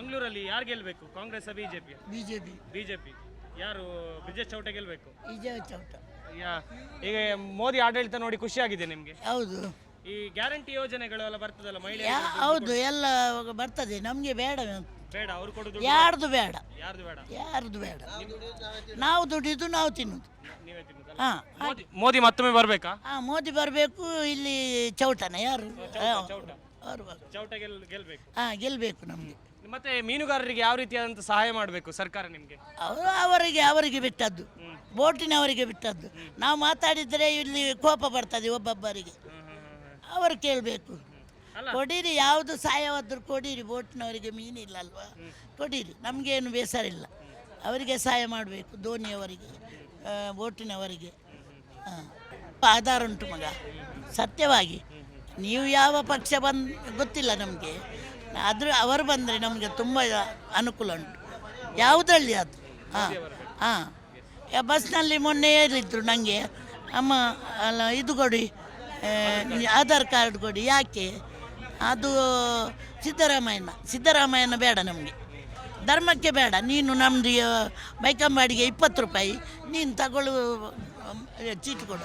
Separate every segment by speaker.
Speaker 1: ಮಂಗಳೂರಲ್ಲಿ ಯಾರು ಗೆಲ್ಬೇಕು, ಕಾಂಗ್ರೆಸ್ ಬಿಜೆಪಿ?
Speaker 2: ಬಿಜೆಪಿ.
Speaker 1: ಬಿಜೆಪಿ. ಯಾರು? ಬ್ರಿಜೇಶ್ ಚೌಟ ಗೆಲ್ಬೇಕು.
Speaker 2: ಚೌಟ.
Speaker 1: ಈಗ ಮೋದಿ ಆಡಳಿತ ನೋಡಿ ಖುಷಿ ಆಗಿದೆ ನಿಮ್ಗೆ?
Speaker 2: ಹೌದು.
Speaker 1: ಈ ಗ್ಯಾರಂಟಿ ಯೋಜನೆಗಳು ಎಲ್ಲ ಬರ್ತದಲ್ಲ ಮಹಿಳೆ?
Speaker 2: ಹೌದು, ಎಲ್ಲ ಬರ್ತದೆ. ನಮ್ಗೆ ಬೇಡ,
Speaker 1: ಬೇಡ. ಅವ್ರು ಕೊಡುದು
Speaker 2: ಯಾರ್ದು ಬೇಡ,
Speaker 1: ಯಾರ್ದು ಬೇಡ,
Speaker 2: ಯಾರ್ದು ಬೇಡ. ನಾವು ದುಡಿದು ನಾವು ತಿನ್ನುದು.
Speaker 1: ನೀವೇ ತಿನ್ನುದಲ್ಲ?
Speaker 2: ಹಾ,
Speaker 1: ಮೋದಿ ಮತ್ತೊಮ್ಮೆ ಬರ್ಬೇಕಾ?
Speaker 2: ಮೋದಿ ಬರಬೇಕು. ಇಲ್ಲಿ ಚೌಟನ ಯಾರು?
Speaker 1: ಚೌಟ.
Speaker 2: ಅವರು
Speaker 1: ಚೌಟ ಗೆಲ್ಬೇಕು.
Speaker 2: ಗೆಲ್ಬೇಕು ನಮ್ಗೆ.
Speaker 1: ಮತ್ತೆ ಮೀನುಗಾರರಿಗೆ ಯಾವ ರೀತಿಯಾದಂತ ಸಹಾಯ ಮಾಡಬೇಕು ಸರ್ಕಾರ ನಿಮ್ಗೆ?
Speaker 2: ಅವರಿಗೆ ಬಿಟ್ಟದ್ದು, ಬೋಟಿನವರಿಗೆ ಬಿಟ್ಟದ್ದು. ನಾವು ಮಾತಾಡಿದ್ರೆ ಇಲ್ಲಿ ಕೋಪ ಬರ್ತದೆ ಒಬ್ಬೊಬ್ಬರಿಗೆ. ಅವರು ಕೇಳಬೇಕು. ಕೊಡಿರಿ, ಯಾವುದು ಸಹಾಯವಾದರೂ ಕೊಡಿರಿ. ಬೋಟಿನವರಿಗೆ ಮೀನಿಲ್ಲ ಅಲ್ವಾ, ಕೊಡಿರಿ. ನಮಗೇನು ಬೇಸರ ಇಲ್ಲ. ಅವರಿಗೆ ಸಹಾಯ ಮಾಡಬೇಕು, ಧೋನಿಯವರಿಗೆ, ಬೋಟಿನವರಿಗೆ. ಆಧಾರ ಉಂಟು ಮಗ, ಸತ್ಯವಾಗಿ. ನೀವು ಯಾವ ಪಕ್ಷ ಗೊತ್ತಿಲ್ಲ ನಮಗೆ. ಅವರು ಬಂದರೆ ನಮಗೆ ತುಂಬ ಅನುಕೂಲ ಉಂಟು. ಯಾವುದರಲ್ಲಿ ಅದು? ಬಸ್ನಲ್ಲಿ ಮೊನ್ನೆ ಹೇಳಿದ್ರು ನನಗೆ, ಅಮ್ಮ ಅಲ್ಲ ಇದು ಕೊಡಿ, ಆಧಾರ್ ಕಾರ್ಡ್ ಕೊಡಿ. ಯಾಕೆ? ಅದು ಸಿದ್ದರಾಮಯ್ಯನ ಬೇಡ ನಮಗೆ, ಧರ್ಮಕ್ಕೆ ಬೇಡ. ನೀನು ನಮ್ಮದು ಬೈಕಂಬಾಡಿಗೆ 20 ರೂಪಾಯಿ ನೀನು ತಗೊಳ್ಳು, ಚೀಟಿ ಕೊಡು.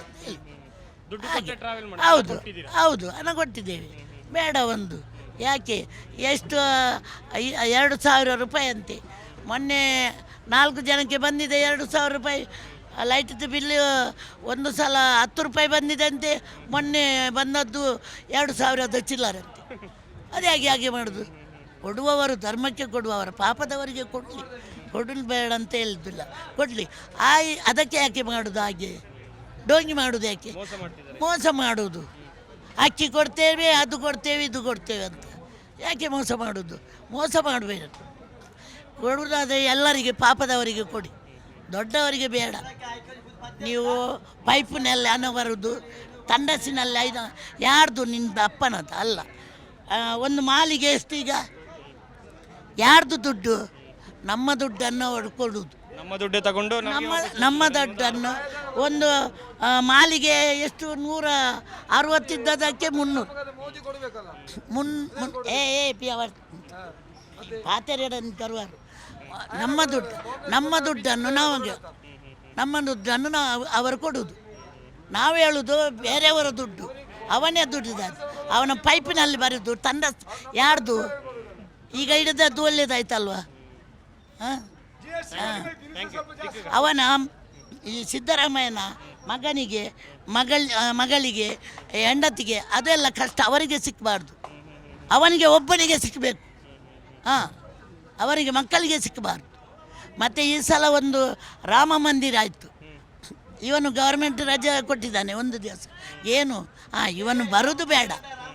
Speaker 2: ಹೌದು ಹೌದು, ಹಣ ಕೊಟ್ಟಿದ್ದೇವೆ. ಬೇಡ ಒಂದು. ಯಾಕೆ? ಎಷ್ಟು? 2,000 ರೂಪಾಯಿ ಅಂತೆ. ಮೊನ್ನೆ 4 ಜನಕ್ಕೆ ಬಂದಿದೆ 2,000 ರೂಪಾಯಿ. ಲೈಟ್ದು ಬಿಲ್ಲು ಒಂದು ಸಲ 10 ರೂಪಾಯಿ ಬಂದಿದೆ ಅಂತೆ. ಮೊನ್ನೆ ಬಂದದ್ದು 2,000 ಚಿಲ್ಲರಂತೆ. ಅದು ಹಾಗೆ ಮಾಡೋದು? ಕೊಡುವವರು ಧರ್ಮಕ್ಕೆ ಕೊಡುವವರು, ಪಾಪದವರಿಗೆ ಕೊಡಲಿ ಬೇಡ ಅಂತ ಹೇಳಿದ್ದಿಲ್ಲ, ಕೊಡಲಿ. ಅದಕ್ಕೆ ಯಾಕೆ ಮಾಡೋದು ಹಾಗೆ? ಡೋಂಗಿ ಮಾಡೋದು ಯಾಕೆ? ಮೋಸ ಮಾಡೋದು. ಅಕ್ಕಿ ಕೊಡ್ತೇವೆ, ಅದು ಕೊಡ್ತೇವೆ, ಇದು ಕೊಡ್ತೇವೆ ಅಂತ ಯಾಕೆ ಮೋಸ ಮಾಡೋದು? ಮೋಸ ಮಾಡಬೇಡ. ಕೊಡುವುದಾದರೆ ಎಲ್ಲರಿಗೆ, ಪಾಪದವರಿಗೆ ಕೊಡಿ, ದೊಡ್ಡವರಿಗೆ ಬೇಡ. ನೀವು ಪೈಪಿನಲ್ಲಿ ಹಣ ಬರುವುದು, ತಂಡಸಿನಲ್ಲಿ ಯಾರ್ದು? ನಿನ್ನ ಅಪ್ಪನದ ಅಲ್ಲ. ಒಂದು ಮಾಲಿಗೆ ಎಷ್ಟು ಈಗ? ಯಾರ್ದು ದುಡ್ಡು? ನಮ್ಮ ದುಡ್ಡನ್ನು ಅವರು ಕೊಡುವುದು.
Speaker 1: ನಮ್ಮ ದುಡ್ಡು ತಗೊಂಡು
Speaker 2: ನಮ್ಮ ದುಡ್ಡನ್ನು ಒಂದು ಮಾಲಿಗೆ ಎಷ್ಟು 160 ಇದ್ದದಕ್ಕೆ 300. ಪಾತೆರಡನ್ನು ತರುವರು. ನಮ್ಮ ದುಡ್ಡನ್ನು ನಾವು ಅವರು ಕೊಡುವುದು. ನಾವು ಹೇಳುವುದು ಬೇರೆಯವರ ದುಡ್ಡು, ಅವನೇ ದುಡ್ಡಿದ್ದಾನೆ. ಅವನ ಪೈಪಿನಲ್ಲಿ ಬರೋದು ತಂಡ ಯಾರ್ದು? ಈಗ ಹಿಡಿದದ್ದು ಒಳ್ಳೇದಾಯ್ತಲ್ವಾ? ಅವನ ಈ ಸಿದ್ದರಾಮಯ್ಯನ ಮಗಳಿಗೆ ಹೆಂಡತಿಗೆ ಅದೆಲ್ಲ ಕಷ್ಟ ಅವರಿಗೆ ಸಿಕ್ಕಬಾರ್ದು. ಅವನಿಗೆ ಒಬ್ಬನಿಗೆ ಸಿಕ್ಕಬೇಕು. ಅವರಿಗೆ ಮಕ್ಕಳಿಗೆ ಸಿಕ್ಕಬಾರ್ದು. ಮತ್ತು ಈ ಸಲ ಒಂದು ರಾಮ ಮಂದಿರ ಆಯಿತು. ಇವನು ಗೌರ್ಮೆಂಟ್ ರಜೆ ಕೊಟ್ಟಿದ್ದಾನೆ ಒಂದು ದಿವಸ. ಏನು? ಇವನು ಬರೋದು ಬೇಡ,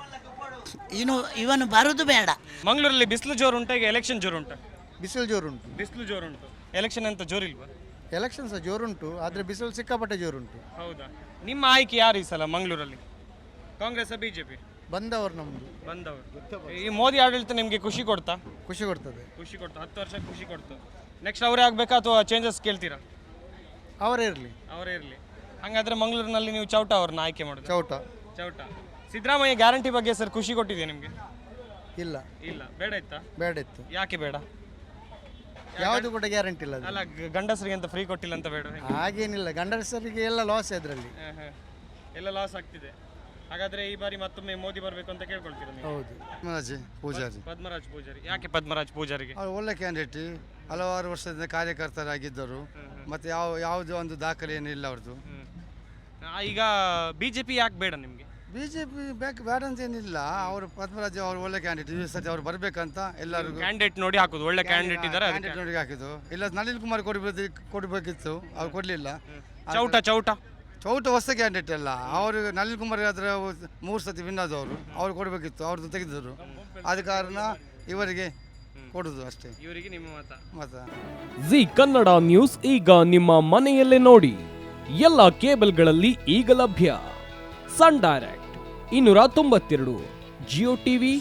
Speaker 2: ಇವನು ಬರೋದು ಬೇಡ.
Speaker 1: ಮಂಗಳೂರಲ್ಲಿ ಬಿಸಿಲು ಜೋರು ಉಂಟು, ಈಗ ಎಲೆಕ್ಷನ್ ಜೋರು ಉಂಟು?
Speaker 3: ಬಿಸಿಲು ಜೋರುಂಟು.
Speaker 1: ಬಿಸಿಲು ಜೋರುಂಟು. ಎಲೆಕ್ಷನ್ ಅಂತ ಜೋರಿಲ್ವಾ?
Speaker 3: ಎಲೆಕ್ಷನ್ ಸಹ ಜೋರುಂಟು, ಆದರೆ ಬಿಸಿಲು ಸಿಕ್ಕಾಪಟ್ಟೆ ಜೋರುಂಟು.
Speaker 1: ಹೌದಾ? ನಿಮ್ಮ ಆಯ್ಕೆ ಯಾರು ಈ ಸಲ ಮಂಗಳೂರಲ್ಲಿ? ಕಾಂಗ್ರೆಸ್ ಬಿಜೆಪಿ?
Speaker 3: ಬಂದವರು ನಮ್ಮದು.
Speaker 1: ಬಂದವರು. ಈ ಮೋದಿ ಆಡಳಿತ ನಿಮಗೆ ಖುಷಿ ಕೊಡ್ತಾ?
Speaker 3: ಖುಷಿ ಕೊಡ್ತದೆ.
Speaker 1: ಖುಷಿ ಕೊಡ್ತಾ? 10 ವರ್ಷ ಖುಷಿ ಕೊಡ್ತು. ನೆಕ್ಸ್ಟ್ ಅವರೇ ಆಗಬೇಕಾ ಅಥವಾ ಚೇಂಜಸ್ ಕೇಳ್ತೀರಾ?
Speaker 3: ಅವರೇ ಇರಲಿ.
Speaker 1: ಅವರೇ ಇರಲಿ. ಹಾಗಾದ್ರೆ ಮಂಗಳೂರಿನಲ್ಲಿ ನೀವು ಚೌಟ ಅವ್ರನ್ನ ಆಯ್ಕೆ ಮಾಡೋದು? ಚೌಟ. ಸಿದ್ದರಾಮಯ್ಯ ಗ್ಯಾರಂಟಿ ಬಗ್ಗೆ ಸರ್ ಖುಷಿ ಕೊಟ್ಟಿದೆ ನಿಮಗೆ?
Speaker 3: ಇಲ್ಲ.
Speaker 1: ಬೇಡ ಇತ್ತಾ?
Speaker 3: ಬೇಡ ಇತ್ತು.
Speaker 1: ಯಾಕೆ ಬೇಡ?
Speaker 3: ಯಾವುದು ಕೂಡ ಗ್ಯಾರಂಟಿ ಇಲ್ಲ.
Speaker 1: ಅಲ್ಲ, ಗಂಡಸರಿಗೆ ಅಂತ ಫ್ರೀ ಕೊಟ್ಟಿಲ್ಲ ಅಂತ ಬೇಡ?
Speaker 3: ಹಾಗೇನಿಲ್ಲ, ಗಂಡಸರಿಗೆ ಎಲ್ಲ ಲಾಸ್ ಅದರಲ್ಲಿ.
Speaker 1: ಎಲ್ಲ ಲಾಸ್ ಆಗ್ತಿದೆ. ಹಾಗಾದ್ರೆ ಈ ಬಾರಿ ಮತ್ತೊಮ್ಮೆ ಮೋದಿ ಬರಬೇಕು ಅಂತ ಕೇಳ್ಕೊಳ್ತೀರಾ ನೀವು?
Speaker 3: ಹೌದು.
Speaker 1: ಪದ್ಮರಾಜ್ ಪೂಜಾರಿ. ಯಾಕೆ ಪದ್ಮರಾಜ್ ಪೂಜಾರಿಗೆ?
Speaker 3: ಅವರು ಒಳ್ಳೆ ಕ್ಯಾಂಡಿಡೇಟ್, ಹಲವಾರು ವರ್ಷದಿಂದ ಕಾರ್ಯಕರ್ತರಾಗಿದ್ದರು. ಮತ್ತೆ ಯಾವುದೇ ಒಂದು ದಾಖಲೆ ಏನಿಲ್ಲ ಅವ್ರದ್ದು.
Speaker 1: ಈಗ ಬಿಜೆಪಿ ಯಾಕೆ ಬೇಡ ನಿಮಗೆ?
Speaker 3: ಬಿಜೆಪಿ ಬೇಡ ಅಂತ ಏನಿಲ್ಲ. ಅವರು ಪದ್ಮರಾಜ್ ಅವರು ಒಳ್ಳೆ ಕ್ಯಾಂಡಿಡೇಟ್. ಈ ಸತಿ ಅವ್ರು ಬರ್ಬೇಕಂತ ಎಲ್ಲರಿಗೂ
Speaker 1: ಕ್ಯಾಂಡಿಡೇಟ್ ನೋಡಿ ಹಾಕುದು. ಒಳ್ಳೆ ಕ್ಯಾಂಡಿಡೇಟ್ ಇದ್ದಾರೆ,
Speaker 3: ಕ್ಯಾಂಡಿಡೇಟ್ ನೋಡಿ ಹಾಕಿದ್ದು. ಇಲ್ಲ, ನಳಿನ್ ಕುಮಾರ್ ಕೊಡಬೇಕಿತ್ತು, ಅವ್ರು ಕೊಡಲಿಲ್ಲ. ಚೌಟ ಹೊಸ ಕ್ಯಾಂಡಿಡೇಟ್ ಅಲ್ಲ ಅವರು. ನಳಿನ್ ಕುಮಾರ್ ಆದ್ರೆ 3 ಸತಿ ವಿನ್ ಆದವರು, ಅವ್ರು ಕೊಡಬೇಕಿತ್ತು, ಅವ್ರದ್ದು ತೆಗೆದರು. ಆದ ಕಾರಣ ಇವರಿಗೆ ಕೊಡುದು ಅಷ್ಟೇ.
Speaker 1: ಇವರಿಗೆ ನಿಮ್ಮ ಮತ?
Speaker 4: ಜಿ ಕನ್ನಡ ನ್ಯೂಸ್ ಈಗ ನಿಮ್ಮ ಮನೆಯಲ್ಲೇ ನೋಡಿ. ಎಲ್ಲ ಕೇಬಲ್ಗಳಲ್ಲಿ ಈಗ ಲಭ್ಯ. Sun direct 292, Jio TV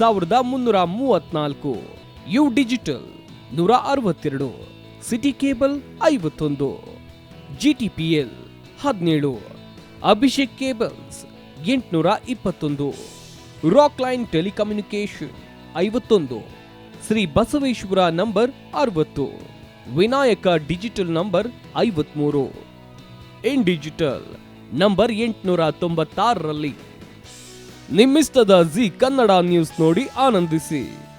Speaker 4: 1334, U digital 162, city cable 51, GTPL 17, Abhishek cables 821, rock line telecommunication 51, Shri Basaveshwara number 60, Vinayaka digital number 53, in digital number 896ರಲ್ಲಿ. ನಿಮ್ಮಿಸ್ತದ ಜಿ ಕನ್ನಡ ನ್ಯೂಸ್ ನೋಡಿ ಆನಂದಿಸಿ.